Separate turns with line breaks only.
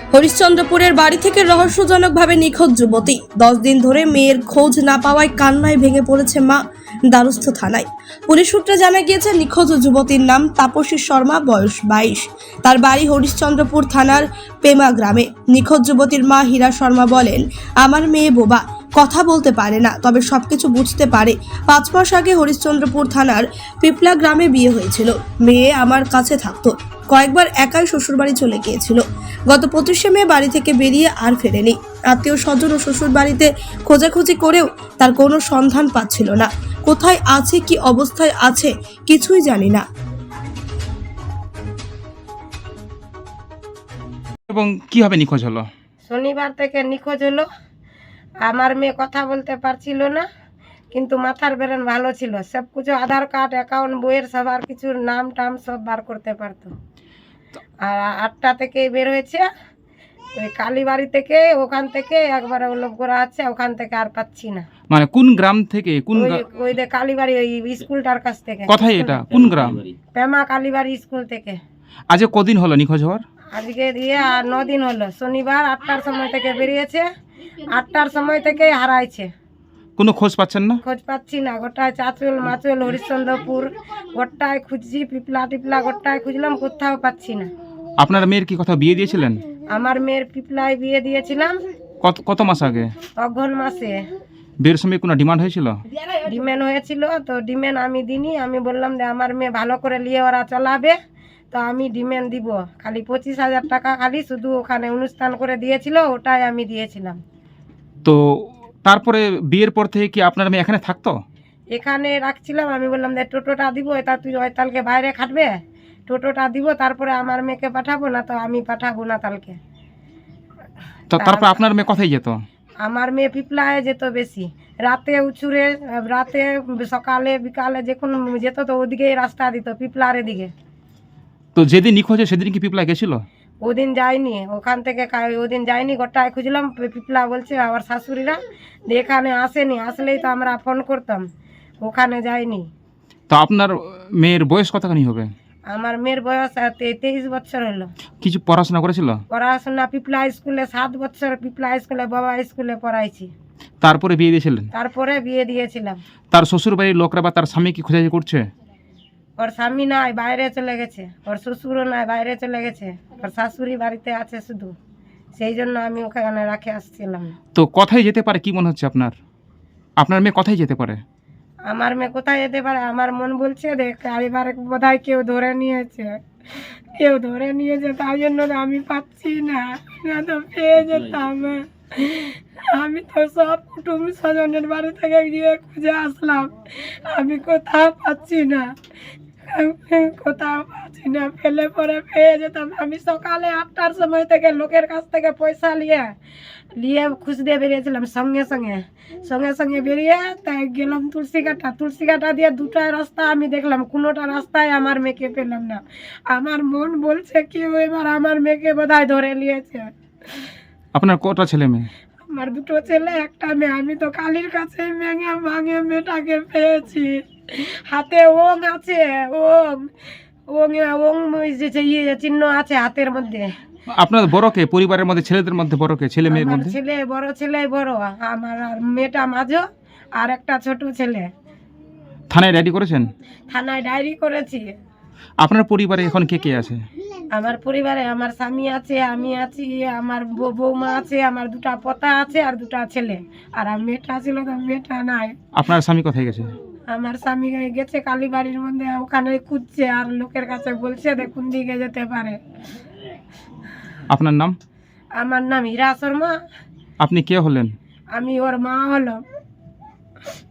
হরিশ্চন্দ্রপুরের বাড়ি থেকে রহস্যজনকভাবে নিখোঁজ যুবতী। 10 দিন ধরে মেয়ের খোঁজ না পাওয়ায় কান্নায় ভেঙে পড়েছে মা। দ্বারস্থ থানায় পুলিশ সূত্রে জানা গিয়েছে, নিখোঁজ যুবতীর নাম তাপসী শর্মা, বয়স 22। তার বাড়ি হরিশ্চন্দ্রপুর থানার পেমা গ্রামে। নিখোঁজ যুবতীর মা হীরা শর্মা বলেন, আমার মেয়ে বোবা, কথা বলতে পারে না, তবে সবকিছু বুঝতে পারে। 5 মাস আগে হরিশ্চন্দ্রপুর থানার পিপলা গ্রামে বিয়ে হয়েছিল। মেয়ে আমার কাছে থাকতো, কয়েকবার একাই শ্বশুরবাড়ি চলে গিয়েছিল। গত 25শে মে বাড়ি থেকে বেরিয়ে আর ফেরেনি। আত্মীয় স্বজন ও শ্বশুর বাড়িতে খোঁজাখুঁজি করেও তার কোনো সন্ধান পাচ্ছিল না। কোথায় আছে, কি অবস্থায় আছে, কিছুই জানি না।
এবং কিভাবে নিখোঁজ হলো?
শনিবার থেকে নিখোঁজ হলো। আমার মেয়ে কথা বলতে পারছিল না, কিন্তু মাথার ব্রেন ভালো ছিল। সব কিছু আধার কার্ড, অ্যাকাউন্ট, বইয়ের সবার কিছুর নাম টাম সব বার করতে পারতো। আর 8টা থেকে বের হয়েছে ওই কালীবাড়ি থেকে, ওখান থেকে একবার লোক করা আছে, ওখান থেকে আর পাচ্ছি না।
মানে কোন গ্রাম থেকে? কোন
ওই যে কালীবাড়ি ওই স্কুলটার কাছ থেকে।
কোথায় এটা? কোন গ্রাম?
পেমা কালীবাড়ি স্কুল থেকে।
আজ কদিন হলো নিখোঁজ হওয়ার?
আজকে দিয়ে আর 9 দিন হলো। শনিবার 8টার সময় থেকে বেরিয়েছে, 8টার সময় থেকে হারাইছে।
কোনো খোঁজ পাচ্ছেন না?
খোঁজ পাচ্ছি না। গোটায় চাঁচল মাচল হরিশ্চন্দ্রপুর গোটায় খুঁজছি, পিপলা টিপলা গোটায় খুঁজলাম, কোথাও পাচ্ছি না।
আপনার মেয়ের কি কথা বিয়ে দিয়েছিলেন?
আমার মেয়ের পিপলায় বিয়ে দিয়েছিলাম
কত মাস আগে?
অঘ্রাণ মাসে।
বিয়ের সময় কোনো ডিমান্ড হয়েছিল?
ডিমেন হয়েছিল, তো ডিমেন আমি দিইনি। আমি বললাম যে আমার মেয়ে ভালো করে নিয়ে ওরা চালাবে, তো আমি ডিমেন দিব। খালি 25,000 টাকা খালি শুধু ওখানে অনুষ্ঠান করে দিয়েছিল, ওটাই আমি দিয়েছিলাম।
তো তারপরে বিয়ের পর থেকে কি আপনার মেয়ে এখানে থাকতো?
এখানে রাখছিলাম। আমি বললাম যে টোটোটা দিব, এটা তুই ওইতালকে বাইরে খাটবে, টোটোটা দিব, তারপরে আমার মেয়েকে পাঠাবো, না তো আমি পাঠাবো না তালকে।
তো তারপর আপনার মেয়ে কোথায় যেত?
আমার মেয়ে পিপলায় যেত বেশি, রাতে উঁচুরে, রাতে সকালে বিকালে যখন যেত তো ওদিকেই রাস্তা দিত, পিপলার এদিকে।
তো যেদিন নিখোঁজ হয় সেদিন কি পিপলা গেছিল?
ওদিন যাইনি, ওখান থেকে ওদিন যাইনি। গোটায় খুঁজলাম, পিপলা বলছে আমার শাশুড়িরা যে এখানে আসেনি, আসলেই তো আমরা ফোন করতাম, ওখানে যাইনি।
তো আপনার মেয়ের বয়স কতখানি হবে?
আমার মেয়ের বয়স 23 বছর হলো।
কিছু পড়াশোনা করেছিল?
পড়াশোনা পিপলা স্কুলে 7 বছর, পিপলা স্কুলে বাবা স্কুলে পড়াইছি।
তারপরে বিয়ে দিয়েছিলেন?
তারপরে বিয়ে দিয়েছিলাম।
তার শ্বশুর বাড়ির লোকরা বা তার স্বামী কি খোঁজাখুঁজি করছে?
ওর স্বামী নাই, বাইরে চলে গেছে। ওর শ্বশুরও নাই, বাইরে চলে গেছে। ওর শাশুড়ি বাড়িতে আছে শুধু, সেই জন্য আমি ওখানে রাখে আসছিলাম।
তো কোথায় যেতে পারে কি মনে হচ্ছে আপনার? আপনার মেয়ে কোথায় যেতে পারে?
আমার মেয়ে কোথায় যেতে পারে, আমার মন বলছে দেখ এবার বোধহয় কেউ ধরে নিয়েছে, কেউ ধরে নিয়েছে, তাই জন্য আমি পাচ্ছি না, না তো পেয়ে যেতাম। আমি তো সব কুটুম স্বজনের বাড়ি থেকে গিয়ে খুঁজে আসলাম, আমি কোথাও পাচ্ছি না, কোথাও পাচ্ছি না। পেলে পরে পেয়ে যেতাম। আমি সকালে 8টার সময় থেকে লোকের কাছ থেকে পয়সা নিয়ে খুঁজতে বেরিয়েছিলাম। সঙ্গে সঙ্গে বেরিয়ে তাই গেলাম তুলসী কাটা দিয়ে 2টা রাস্তা আমি দেখলাম, কোনোটা রাস্তায় আমার মেয়েকে পেলাম না। আমার মন বলছে কি এবার আমার মেয়েকে বোধহয় ধরে নিয়েছে।
আপনার কটা ছেলে মেয়ে?
আমার 2টো ছেলে, 1টা মেয়ে। আমি তো কালীর কাছে ভাঙে মেয়েটাকে পেয়েছি। হাতে ওং আছে, ওং চিহ্ন আছে হাতের মধ্যে।
আপনার বড়কে পরিবারের মধ্যে ছেলেদের মধ্যে বড়কে, ছেলে মেয়ের
আমার
মধ্যে?
বড় ছেলে বড়, আমার আর মেয়েটা মাঝো, আর একটা ছোট ছেলে।
থানায় রেডি করেছেন?
থানায় ডায়েরি করেছি।
আপনার পরিবারে এখন কে কে আছে?
আমার পরিবারে আমার স্বামী আছে, আমি আছি, আমার বৌমা আছে, আমার 2টা পোতা আছে, আর 2টা ছেলে। আর মেয়েটা ছিল তো মেয়েটা নাই।
আপনার স্বামী কোথায় গেছে?
আমার স্বামী গেছে কালীবাড়ির মধ্যে, ওখানে খুঁজছে, আর লোকের কাছে বলছে দেখুন দিকে যেতে পারে।
আপনার নাম?
আমার নাম হীরা শর্মা।
আপনি কে হলেন?
আমি ওর মা হলো।